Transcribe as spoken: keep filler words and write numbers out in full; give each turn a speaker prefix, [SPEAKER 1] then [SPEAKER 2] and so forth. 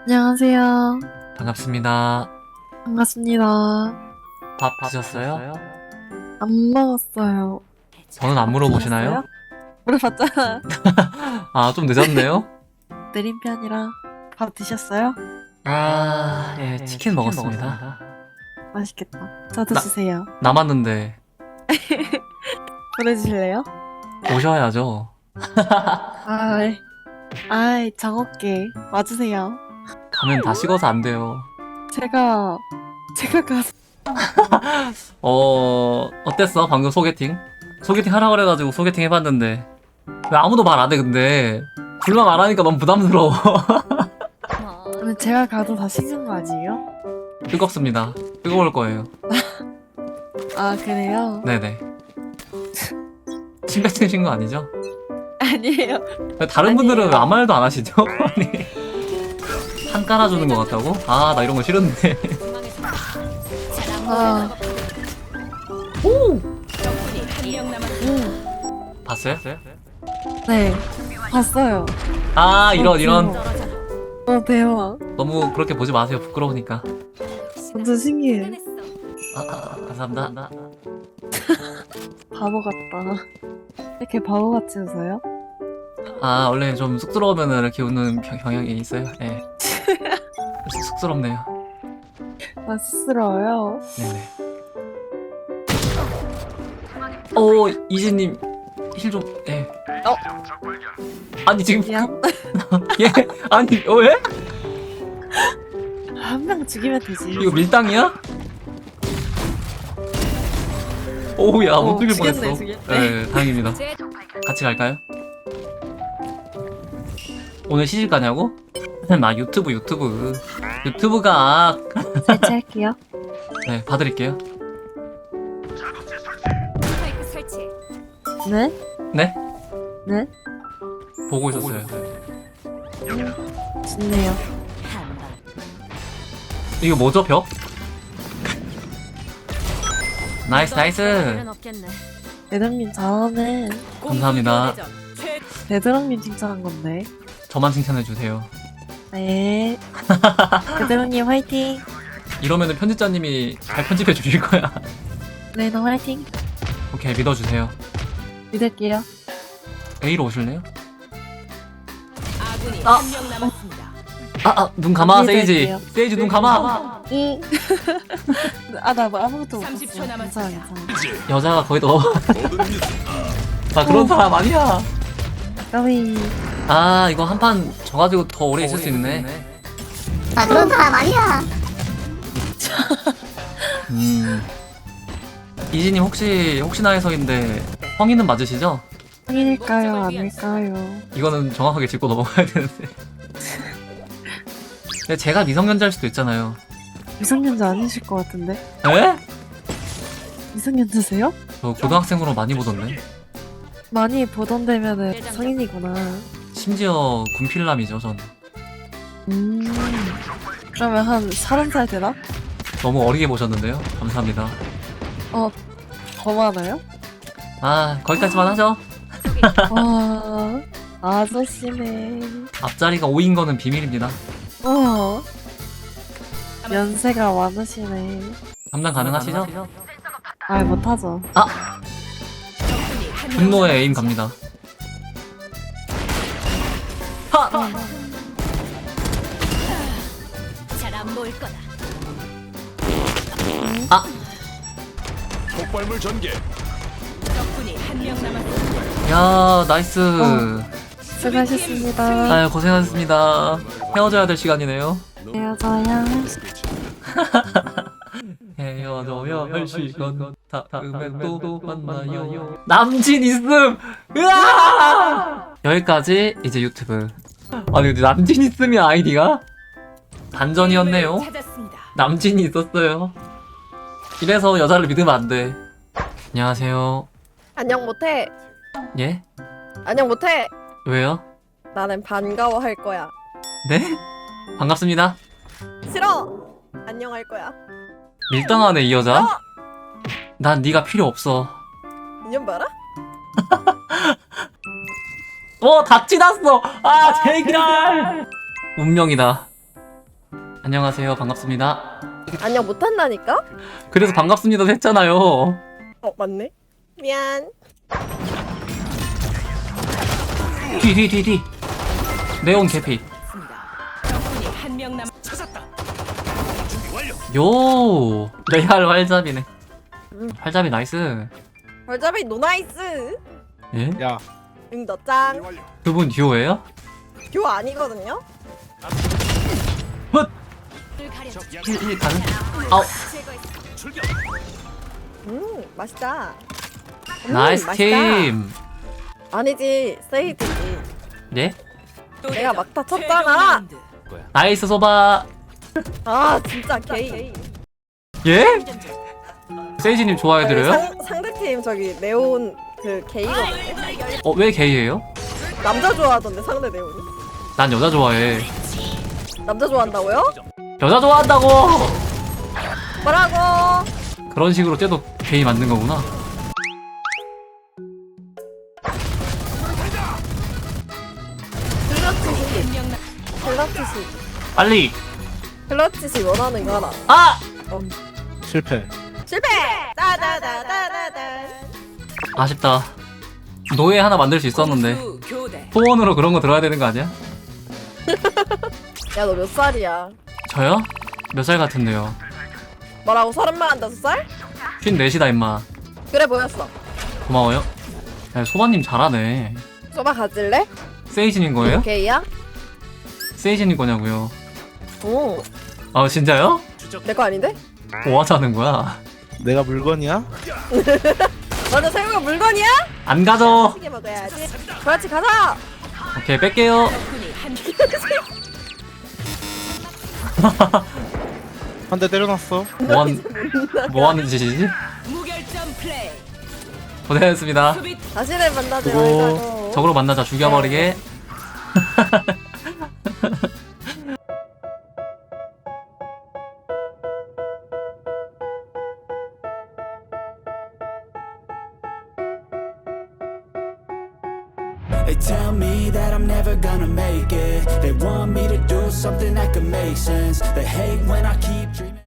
[SPEAKER 1] 안녕하세요.
[SPEAKER 2] 반갑습니다.
[SPEAKER 1] 반갑습니다.
[SPEAKER 2] 밥 드셨어요?
[SPEAKER 1] 안 먹었어요.
[SPEAKER 2] 저는 안 물어보시나요?
[SPEAKER 1] 물어봤잖아.
[SPEAKER 2] 아, 좀 늦었네요?
[SPEAKER 1] 느린 편이라. 밥 드셨어요?
[SPEAKER 2] 아, 예, 치킨 먹었습니다.
[SPEAKER 1] 맛있겠다. 저도
[SPEAKER 2] 나-
[SPEAKER 1] 주세요.
[SPEAKER 2] 남았는데
[SPEAKER 1] 보내주실래요?
[SPEAKER 2] 오셔야죠.
[SPEAKER 1] 아이, 아이, 정없게 와주세요.
[SPEAKER 2] 가면 다 식어서 안 돼요.
[SPEAKER 1] 제가, 제가 가서.
[SPEAKER 2] 어, 어땠어? 방금 소개팅? 소개팅 하라 그래가지고 소개팅 해봤는데 왜 아무도 말 안 해, 근데? 둘만 말하니까 너무 부담스러워.
[SPEAKER 1] 그러면 제가 가도 다 식는 거 아니에요?
[SPEAKER 2] 뜨겁습니다. 뜨거울 거예요.
[SPEAKER 1] 아, 그래요?
[SPEAKER 2] 네네. 침 뱉으신 거 아니죠?
[SPEAKER 1] 아니에요.
[SPEAKER 2] 다른 분들은
[SPEAKER 1] 아니에요.
[SPEAKER 2] 왜 아무 말도 안 하시죠? 아니, 한 깔아주는 것 같다고? 아, 나 이런 거 싫은데.
[SPEAKER 1] 아, 음,
[SPEAKER 2] 봤어요?
[SPEAKER 1] 네. 봤어요.
[SPEAKER 2] 아, 이런, 이런.
[SPEAKER 1] 어, 대박.
[SPEAKER 2] 너무 그렇게 보지 마세요. 부끄러우니까.
[SPEAKER 1] 완전 신기해.
[SPEAKER 2] 아, 아, 감사합니다.
[SPEAKER 1] 바보 같다. 이렇게 바보같이 웃어요?
[SPEAKER 2] 아, 원래 좀 쑥스러우면 이렇게 웃는 경- 경향이 있어요. 예. 쑥- 쑥스럽네요.
[SPEAKER 1] 맛스러워요.
[SPEAKER 2] 네네. 오, 이지님, 힐 좀, 예.
[SPEAKER 1] 어?
[SPEAKER 2] 아니, 지금.
[SPEAKER 1] 미안.
[SPEAKER 2] 예? 아니, 어, 왜?
[SPEAKER 1] 한 명 죽이면 되지.
[SPEAKER 2] 이거 밀당이야? 오우, 야, 못
[SPEAKER 1] 어,
[SPEAKER 2] 죽일
[SPEAKER 1] 죽였네,
[SPEAKER 2] 뻔했어.
[SPEAKER 1] 죽였네.
[SPEAKER 2] 네, 다행입니다. 같이 갈까요? 오늘 시집 가냐고? 나 유튜브, 유튜브. 유튜브가.
[SPEAKER 1] 설치할게요.
[SPEAKER 2] 네, 봐드릴게요.
[SPEAKER 1] 네?
[SPEAKER 2] 네?
[SPEAKER 1] 네?
[SPEAKER 2] 보고 있었어요.
[SPEAKER 1] 좋네요.
[SPEAKER 2] 이거 뭐죠, 벽? 나이스, 나이스.
[SPEAKER 1] 대드랑님 잘하네.
[SPEAKER 2] 감사합니다.
[SPEAKER 1] 대드랑님 칭찬한 건데.
[SPEAKER 2] 저만 칭찬해주세요.
[SPEAKER 1] 네. 대드랑님 화이팅.
[SPEAKER 2] 이러면은 편집자님이 잘 편집해 주실 거야.
[SPEAKER 1] 네, 너 화이팅.
[SPEAKER 2] 오케이, 믿어주세요.
[SPEAKER 1] 믿을게요.
[SPEAKER 2] A로 오실래요?
[SPEAKER 3] 아군이
[SPEAKER 2] 아.
[SPEAKER 3] 한 명 남았습니다.
[SPEAKER 2] 아, 아, 눈 감아,
[SPEAKER 1] 믿을게요.
[SPEAKER 2] 세이지. 세이지, 눈 감아.
[SPEAKER 1] 응. 아, 나 뭐 아무것도 못
[SPEAKER 3] 삼십 초
[SPEAKER 1] 봤어. 괜찮아,
[SPEAKER 3] 남았습니다.
[SPEAKER 1] 괜찮아.
[SPEAKER 2] 여자가 거의 너. 나 그런 사람 아니야.
[SPEAKER 1] 까비.
[SPEAKER 2] 아, 이거 한 판 져가지고 더 오래 있을 수 있네.
[SPEAKER 4] 나 그런 사람 아니야.
[SPEAKER 2] 음. 이지님 혹시, 혹시나 해서인데, 성인은 맞으시죠?
[SPEAKER 1] 성인일까요? 아닐까요?
[SPEAKER 2] 이거는 정확하게 짚고 넘어가야 되는데. 근데 제가 미성년자일 수도 있잖아요.
[SPEAKER 1] 미성년자 아니실 것 같은데?
[SPEAKER 2] 에?
[SPEAKER 1] 미성년자세요?
[SPEAKER 2] 저 고등학생으로 많이 보던데.
[SPEAKER 1] 많이 보던데면은 성인이구나.
[SPEAKER 2] 심지어 군필남이죠, 전.
[SPEAKER 1] 음. 그러면 한 서른 살 되나?
[SPEAKER 2] 너무 어리게 보셨는데요. 감사합니다.
[SPEAKER 1] 어, 더 많아요?
[SPEAKER 2] 아, 거기까지만 하죠.
[SPEAKER 1] 와, 아저씨네.
[SPEAKER 2] 앞자리가 오인 거는 비밀입니다.
[SPEAKER 1] 어, 연세가 많으시네.
[SPEAKER 2] 감당 가능하시죠?
[SPEAKER 1] 아, 못하죠.
[SPEAKER 3] 적군이 한 명
[SPEAKER 2] 분노의 에임 갑니다. 하!
[SPEAKER 3] 잘안 보일 거다.
[SPEAKER 2] 아!
[SPEAKER 5] 폭발물 전개.
[SPEAKER 3] 적군이 한 명 남았습니다.
[SPEAKER 2] 야, 나이스.
[SPEAKER 1] 어. 수고하셨습니다.
[SPEAKER 2] 아유, 고생하셨습니다. 헤어져야 될 시간이네요.
[SPEAKER 1] 헤어져야
[SPEAKER 2] 헤어져야 할 시간. 다음에 또 만나요. 남친 있음! 으아! 여기까지 이제 유튜브. 아니, 근데 남친 있음이 아이디가? 반전이었네요.
[SPEAKER 3] 찾았습니다.
[SPEAKER 2] 남친이 있었어요. 이래서 여자를 믿으면 안 돼. 안녕하세요.
[SPEAKER 6] 안녕 못해.
[SPEAKER 2] 예?
[SPEAKER 6] 안녕 못해.
[SPEAKER 2] 왜요?
[SPEAKER 6] 나는 반가워할 거야.
[SPEAKER 2] 네? 반갑습니다.
[SPEAKER 6] 싫어. 안녕할 거야.
[SPEAKER 2] 밀당하네, 이 여자. 난 네가 필요 없어.
[SPEAKER 6] 인연 봐라.
[SPEAKER 2] 어, 다 지났어! 아, 제기랄! 운명이다. 안녕하세요. 반갑습니다.
[SPEAKER 6] 안녕 못한다니까?
[SPEAKER 2] 그래서 반갑습니다도 했잖아요.
[SPEAKER 6] 어 맞네. 미안.
[SPEAKER 2] 뒤, 뒤, 뒤, 뒤. 네온 개피.
[SPEAKER 3] 적군이 한 명 남.
[SPEAKER 2] 요 레알 활잡이네. 활잡이 나이스.
[SPEAKER 6] 벌잡이 노나이스.
[SPEAKER 2] 예?
[SPEAKER 7] 야,
[SPEAKER 6] 응더 짱.
[SPEAKER 2] 그분 듀오예요?
[SPEAKER 6] 듀오 아니거든요?
[SPEAKER 2] 헛! 힐, 힐 가능? 아우
[SPEAKER 6] 음 맛있다. 음,
[SPEAKER 2] 나이스
[SPEAKER 6] 맛있다.
[SPEAKER 2] 팀.
[SPEAKER 6] 아니지 세이드지.
[SPEAKER 2] 네?
[SPEAKER 6] 내가 막타 쳤잖아.
[SPEAKER 2] 나이스 소바.
[SPEAKER 6] 아 진짜 게이.
[SPEAKER 2] 예? 세이지님 좋아해드려요?
[SPEAKER 6] 상, 상대팀 저기 네온 그 게이거든요.
[SPEAKER 2] 어, 왜 게이예요?
[SPEAKER 6] 남자 좋아하던데 상대 네온이.
[SPEAKER 2] 난 여자 좋아해.
[SPEAKER 6] 남자 좋아한다고요?
[SPEAKER 2] 여자 좋아한다고!
[SPEAKER 6] 뭐라고?
[SPEAKER 2] 그런 식으로 쟤도 게이 만든 거구나.
[SPEAKER 6] 클러치시.
[SPEAKER 2] 빨리!
[SPEAKER 6] 클러치시 원하는 거 하나.
[SPEAKER 2] 아!
[SPEAKER 7] 실패.
[SPEAKER 6] 실패! 따다다다다다.
[SPEAKER 2] 아쉽다. 노예 하나 만들 수 있었는데.
[SPEAKER 3] 공수 교대.
[SPEAKER 2] 소원으로 그런 거 들어야 되는 거 아니야?
[SPEAKER 6] 야 너 몇 살이야?
[SPEAKER 2] 저요? 몇 살 같은데요?
[SPEAKER 6] 뭐라고 서른만 다섯 살?
[SPEAKER 2] 쉰넷이다 임마.
[SPEAKER 6] 그래 보였어.
[SPEAKER 2] 고마워요. 야, 소바님 잘하네.
[SPEAKER 6] 소바 가질래?
[SPEAKER 2] 세이지님 거예요?
[SPEAKER 6] 게이야?
[SPEAKER 2] 세이지님 거냐고요.
[SPEAKER 6] 오.
[SPEAKER 2] 아 진짜요?
[SPEAKER 6] 내 거 아닌데?
[SPEAKER 2] 뭐 하자는 거야?
[SPEAKER 7] 내가 물건이야?
[SPEAKER 6] 맞아 생각 물건이야?
[SPEAKER 2] 안 가져.
[SPEAKER 6] 시게 먹어야지. 그렇지 가자.
[SPEAKER 2] 오케이 뺄게요.
[SPEAKER 3] 적군이 한
[SPEAKER 7] 한 대 때려놨어.
[SPEAKER 2] 뭐한 뭐 하는 짓이지?
[SPEAKER 3] 무결점 플레이.
[SPEAKER 2] 고생했습니다.
[SPEAKER 3] 수비
[SPEAKER 6] 다시는 만나지
[SPEAKER 7] 그거
[SPEAKER 6] 말자고.
[SPEAKER 2] 적으로 만나자 죽여버리게.
[SPEAKER 8] They tell me that I'm never gonna make it. They want me to do something that could make sense. They hate when I keep dreaming.